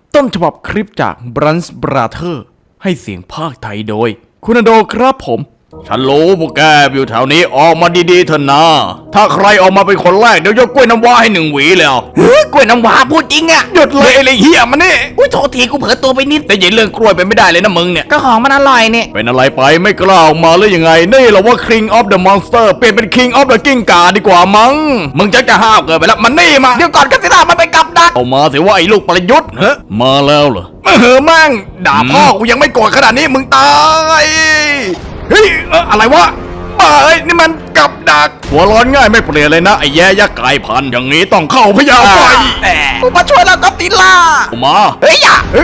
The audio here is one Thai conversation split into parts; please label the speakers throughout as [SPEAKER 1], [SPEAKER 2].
[SPEAKER 1] ต้นฉบับคลิปจาก Brunch Brother ให้เสียงภาคไทยโดยคุณอโดครับผมฉันรู้พวกแกอยู่แถวนี้ออกมาดีๆเถอะนะถ้าใครออกมาเป็นคนแรกเดี๋ยวยกกล้วยน้ำว้าให้1 หวีแล้วกล้วยน้ำว้าพูดจริงอะหยุดเลยไอ้เหี้ยมันนี่อุ้ยโทษทีกูเผลอตัวไปนิดแต่ยินเรื่องกล้วยไปไม่ได้เลยนะมึงเนี่ย
[SPEAKER 2] ก็ของมันอร่อยเนี่ย
[SPEAKER 1] เป็นอะไรไปไม่กล้าออกมาหรือยังไงนี่เหรอว่า King of the Monster เปลี่ยนเป็น King of the กิ้งก่าดีกว่ามั้งมึงจะห้าวเกินไปแล้วมันนี่มา
[SPEAKER 2] เดี๋ยวก่อนกันสิล่ะมันไปกับดัก
[SPEAKER 1] เอามาสิว่าไอ้ลูกประยุทธ์เฮ้มาแล้วเหรอมั่งด่าพ่อกูยังไม่โกรธขนาดนี้มึงตายเฮ้ยอะไรวะเอ้ยนี่มันกับดักหัวร้อนง่ายไม่เปลี่ยนเลยนะไอ้แย่ยักษ์กลายพันธุ์อย่างนี้ต้องเข้าพยาไฟ
[SPEAKER 2] กูมาช่วยแล้วก็ติล่า
[SPEAKER 1] มา
[SPEAKER 2] เฮ้ยอย่า
[SPEAKER 1] เฮ้ย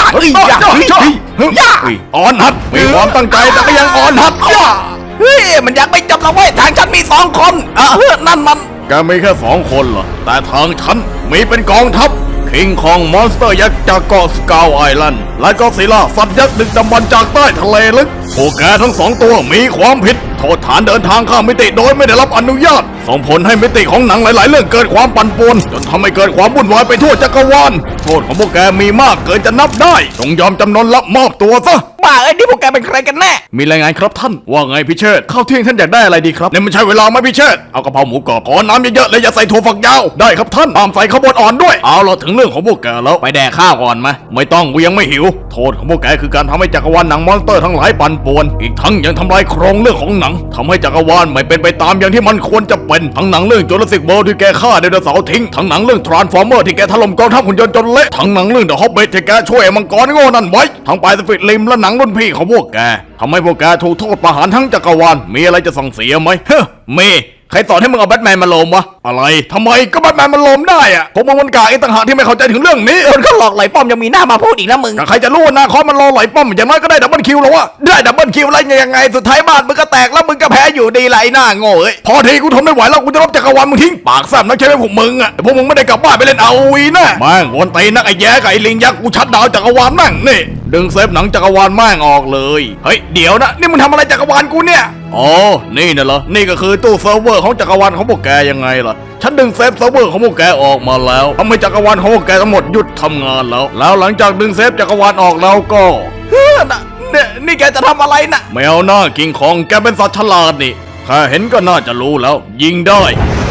[SPEAKER 1] อ่อนหัดมีความตั้งใจแต่ก็ยังอ่อนหัด
[SPEAKER 2] เฮ้ยมันยังไม่จบแล้วเว้ยทางฉันมี2 คนนั่นมัน
[SPEAKER 1] แกมีแค่2 คนเหรอแต่ทางฉันมีเป็นกองทัพคิงคองมอนสเตอร์ยักษ์จากเกาะสกาวไอแลนด์และก็ซิล่าสัตว์ยักษ์ดึกดำบรรพ์จากใต้ทะเลลึกพวกแกทั้ง2 ตัวมีความผิดโทษฐานเดินทางข้ามมิติโดยไม่ได้รับอนุญาตส่งผลให้มิติของหนังหลายๆเรื่องเกิดความปั่นป่วนจนทำให้เกิดความวุ่นวายไปทั่วจักรวาลโทษของพวกแกมีมากเกินจะนับได้จงยอมจำนนรับมอบตัวซะ
[SPEAKER 2] บ้าไอ้นี่พวกแกเป็นใครกันแน่
[SPEAKER 1] มีรายงานครับท่านว่าไงพี่เชษข้าวเที่ยงท่านอยากได้อะไรดีครับเนี่ยมันใช่เวลาไหมพี่เชษเอากะเพราหมูกรอบขอน้ำเยอะๆและอย่าใส่ถั่วฝักยาวได้ครับท่านตามใส่ข้าวบดอ่อนด้วยเอาเราถึงเรื่องของพวกแกแล้วไปแดกข้าวก่อนไหมไม่ต้องกูยังไม่หิวโทษของพวกแกคือการทำให้จักรวาลหนังมอนสเตอร์ทั้งหลายปั่นป่วนอีกทั้งยังทำลายโครงเรื่องของหนังทำให้จักรวาลไม่เป็นไปตามอย่างที่มันควรจะเป็นทั้งหนังเรื่องจูราสสิกเวิลด์ที่แกฆ่าไดโนเสาร์ทิ้งทั้งหนังเรื่องทรานส์ฟอร์เมอร์ที่แกถล่มกองทัพหุ่นยนต์จนเละทั้งหนังเรื่องเดอะฮอบบิทที่แกช่วยมังกรโง่นั่นไว้ทั้งปลายสฟิตริมและหนังรุ่นพี่ของพวกแกทำให้พวกแกถูกโทษประหารทั้งจักรวาลมีอะไรจะสั่งเสียไหมเฮ้มีใครสอนให้มึงเอาแบทแมนมาโลมวะอะไรทำไมก็แบทแมนมันโลมได้อะผมมันกาไอ้ต่างหากที่ไม่เข้าใจถึงเรื่องนี้
[SPEAKER 2] คนเขาหลอกไหลป้อมยังมีหน้ามาพูดอีกนะมึง
[SPEAKER 1] ใครจะรู้ว่านาคอมันรอไหลป้อมอย่างน้อยก็ได้ดับเบิลคิวแล้ววะได้ดับเบิลคิวอะไรยังไงสุดท้ายบ้านมึงก็แตกแล้วมึงก็แพ้อยู่ดีไหลหน้าโง่เอ้ยพอทีกูทนไม่ไหวแล้วกูจะลบจักรวาลมึงทิ้งปากแซ่บนักใช่ไหมพวกมึงอะพวกมึงไม่ได้กลับบ้านไปเล่นเอาวีนะแม่งวนตีนักไอ้แย่กับไอ้ลิงยักษ์กูชัดดาวจักรวาลแม่งนี่ดึงเซฟหนังจักรวาลแม่งออกเลยเฮ้ยเดี๋ยวนะนี่มึงทำอะไรจักรวาลกูเนี่ยอ๋อนี่น่ะเหรอนี่ก็คือตู้เซิร์ฟเวอร์ของจักรวาลของพวกแกยังไงล่ะฉันดึงเซฟเซิร์ฟเวอร์ของพวกแกออกมาแล้วทำให้จักรวาลของพวกแกทั้งหมดหยุดทำงานแล้วหลังจากดึงเซฟจักรวาลออกแล้วก็
[SPEAKER 2] นี่แกจะทำอะไรน่ะ
[SPEAKER 1] แมวหน้ากิงคองแกเป็นสัตว์ฉลาดนี่แค่เห็นก็น่าจะรู้แล้วยิงได้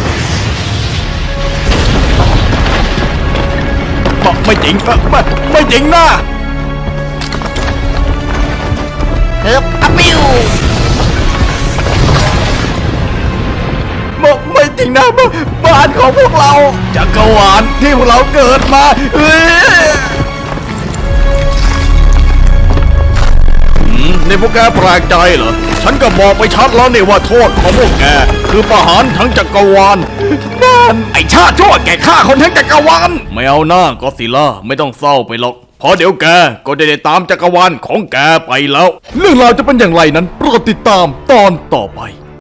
[SPEAKER 1] ไม่จริงไม่จริงนะ
[SPEAKER 2] อะปิ้ว
[SPEAKER 1] ไม่จริงนะบ้านของพวกเราจักรวาลที่พวกเราเกิดมานี่พวกแกแปลกใจเหรอฉันก็บอกไปชัดแล้วนี่ว่าโทษของพวกแกคือประหารทั้งจักรวาลนั่นไอชาติชั่วแกฆ่าคนทั้งจักรวาลไม่เอาหน้าก็สิล่าไม่ต้องเศร้าไปหรอกพอเดี๋ยวแกก็จะได้ตามจักรวาลของแกไปแล้วเรื่องราวจะเป็นอย่างไรนั้นโปรดติดตามตอนต่อไป